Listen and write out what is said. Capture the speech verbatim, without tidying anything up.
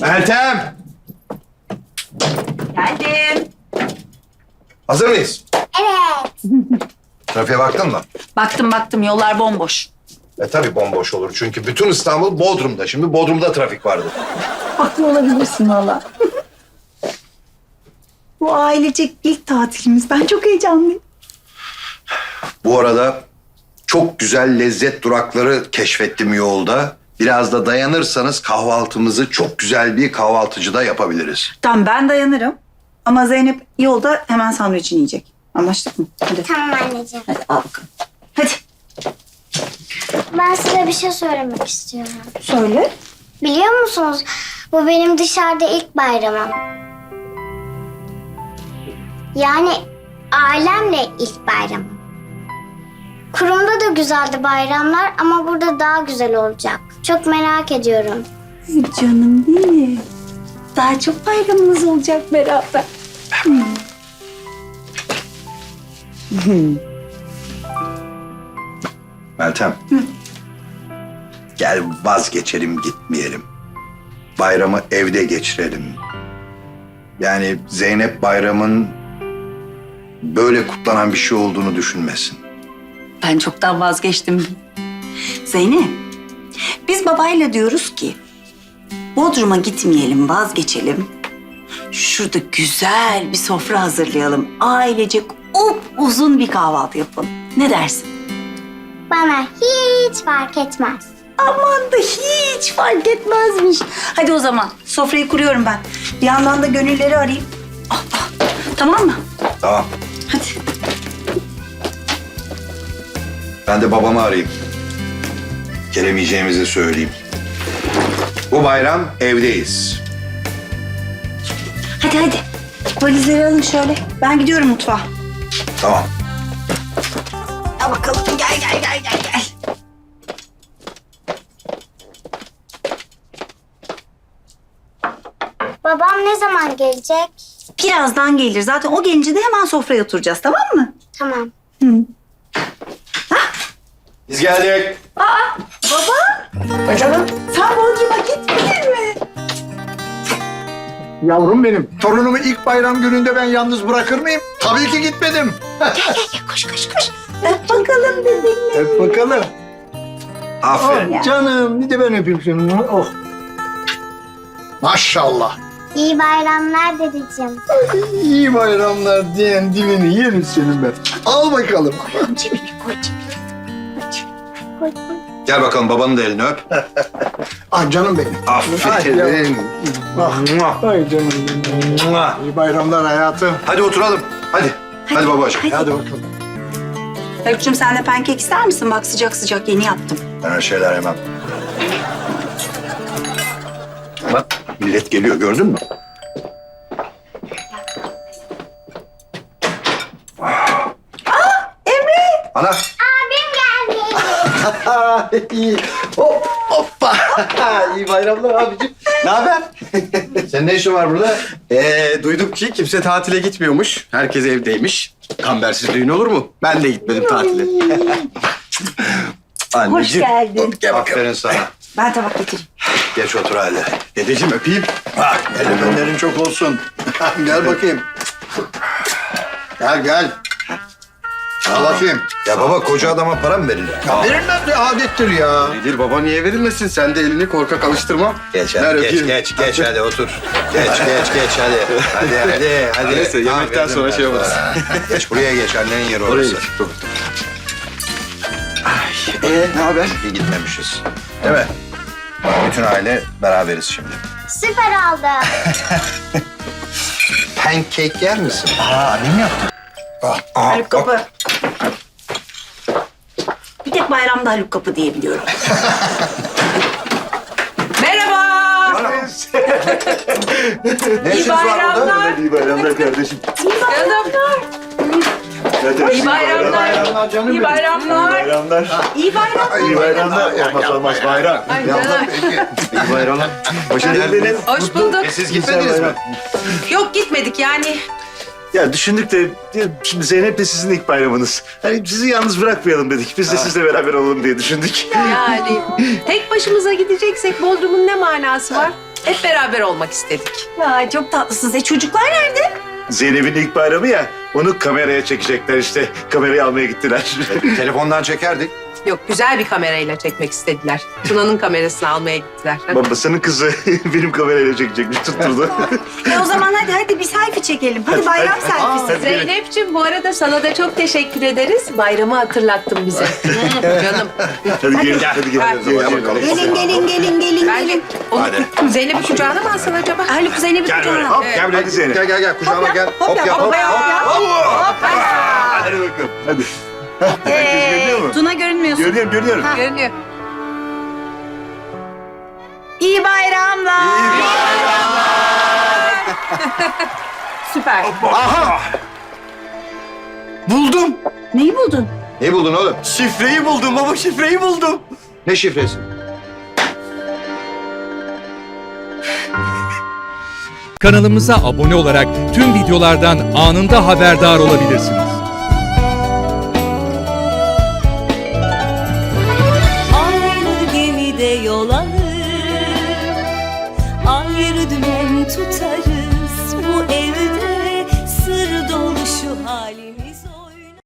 Meltem! Geldim. Hazır mıyız? Evet. Trafiğe baktın mı? Baktım baktım yollar bomboş. E tabii bomboş olur. Çünkü bütün İstanbul Bodrum'da. Şimdi Bodrum'da trafik vardır. Haklı olabilirsin valla. Bu ailecek ilk tatilimiz. Ben çok heyecanlıyım. Bu arada çok güzel lezzet durakları keşfettim yolda. Biraz da dayanırsanız kahvaltımızı çok güzel bir kahvaltıcıda yapabiliriz. Tamam ben dayanırım. Ama Zeynep yolda hemen sandviçini yiyecek. Anlaştık mı? Hadi. Tamam anneciğim. Hadi al bakalım. Hadi. Ben size bir şey söylemek istiyorum. Söyle. Biliyor musunuz? Bu benim dışarıda ilk bayramım. Yani ailemle ilk bayramım. Kurumda da güzeldi bayramlar ama burada daha güzel olacak. Çok merak ediyorum. Canım benim. Daha çok bayramımız olacak beraber. Meltem. Gel vazgeçelim gitmeyelim. Bayramı evde geçirelim. Yani Zeynep bayramın böyle kutlanan bir şey olduğunu düşünmesin. Ben çoktan vazgeçtim. Zeynep, biz babayla diyoruz ki Bodrum'a gitmeyelim, vazgeçelim. Şurada güzel bir sofra hazırlayalım. Ailecek uzun bir kahvaltı yapalım. Ne dersin? Bana hiç fark etmez. Aman da hiç fark etmezmiş. Hadi o zaman sofrayı kuruyorum ben. Bir yandan da gönülleri arayayım. Ah, ah. Tamam mı? Tamam. Hadi. Ben de babamı arayayım. Gelemeyeceğimizi söyleyeyim. Bu bayram evdeyiz. Hadi hadi. Valizleri alın şöyle. Ben gidiyorum mutfağa. Tamam. Al bakalım. Gel gel gel gel gel. Babam ne zaman gelecek? Birazdan gelir. Zaten o gelince de hemen sofraya oturacağız, tamam mı? Tamam. Biz geldik. Baba. Canım. Sen Bodrum'a gitmedin mi? Yavrum benim. Torunumu ilk bayram gününde ben yalnız bırakır mıyım? Tabii ki gitmedim. Gel gel gel koş koş koş. Öp bakalım dedin. Hep bakalım. Aferin. Ya. Canım bir de ben öpeyim seni. Oh. Maşallah. İyi bayramlar dedeciğim. İyi bayramlar diyen dilini yerim senin ben. Al bakalım. Cebine koy cebine. Koy, koy. Gel bakalım babanın da elini öp. Ah canım benim. Aferin. Ah, ay canım benim. İyi bayramlar hayatım. Hadi oturalım. Hadi. Hadi, babacığım. Hadi bakalım. Öykücüğüm sen de pankek ister misin? Bak sıcak sıcak yeni yaptım. Ben öyle şeyler yemem. Bak millet geliyor gördün mü? Emre! Ana. Abim gelmiş. İyi. Hop, hoppa. İyi bayramlar abicim. Ne haber? Senin ne işin var burada? Ee, duydum ki kimse tatile gitmiyormuş. Herkes evdeymiş. Kambersiz düğün olur mu? Ben de gitmedim tatile. Hoş geldin. Gel bakalım. Aferin sana. Ben tabak getireyim. Geç otur hadi. Dedeciğim öpeyim. Bak Ellerin çok olsun. Gel bakayım. Gel gel. Al bakayım. Ya baba koca adama para mı verilir? Ya verilmez de adettir ya. Nedir baba niye verilmesin? Sen de elini korkak alıştırma. Geç Ver hadi geç öpeyim. geç geç hadi otur. Geç geç geç hadi. Hadi hadi hadi. Neyse, yemekten verdim sonra ben şey yaparız. sana. Geç buraya geç annenin yeri Oraya orası. geç. Dur. Ee, ne haber? İyi gitmemişiz. Değil mi? Bak bütün aile beraberiz şimdi. Süper oldu. Pancake yer misin? Aa annem yaptı. Ah, ah, Haluk Kapı. Bir tek bayramda Haluk Kapı diye biliyorum. Merhaba. Ne işiniz var burada? İyi bayramlar kardeşim. Canım. İyi bayramlar. Bayramlar canım İyi benim. bayramlar. Bayramlar. İyi bayramlar. İyi bayramlar. Yapmaz olmaz bayram. Ay canım. İyi bayramlar. Hoş geldiniz. Hoş bulduk. E, siz gitmediniz mi? Yok gitmedik yani. Ya düşündük de şimdi Zeynep de sizin ilk bayramınız. Hani sizi yalnız bırakmayalım dedik. Biz de sizle beraber olalım diye düşündük. Yani tek başımıza gideceksek Bodrum'un ne manası var? Hep beraber olmak istedik. Ya çok tatlısınız. E çocuklar nerede? Zeynep'in ilk bayramı ya, onu kameraya çekecekler işte. Kamerayı almaya gittiler. Telefondan çekerdik. Yok, güzel bir kamerayla çekmek istediler. Tuna'nın kamerasını almaya gittiler. Babasının kızı benim kamerayla çekecekmiş, tutturdu. E o zaman hadi hadi bir selfie çekelim. Hadi bayram selfiesi. Zeynep'ciğim bu arada sana da çok teşekkür ederiz. Bayramı hatırlattın bize. Canım. Hadi gelin, hadi gelin. Hadi. Gelin, Hadi gelin. bakalım. Gelin gelin gelin gelin Ben gelin. onu Zeynep'i kucağına mı alsın acaba? Haluk Zeynep'i Gel böyle, kucağına. hop, gel buraya, hadi Zeynep. Gel gel gel kucağıma gel. Hop, yap, yap hop. hop yap, hop yap. Hadi bakalım, hadi. Herkes görünüyor mu? Tuna görünmüyorsun. Görüyorum, görüyorum. Görünüyor. İyi bayramlar. Süper. Aha! Buldum. Neyi buldun? Ne buldun oğlum? Şifreyi buldum baba, şifreyi buldum. Ne şifresi? Kanalımıza abone olarak tüm videolardan anında haberdar olabilirsiniz. Aynı gemide yol alır, ayrı dümen tutarız. Bu evde sır dolu şu halimiz.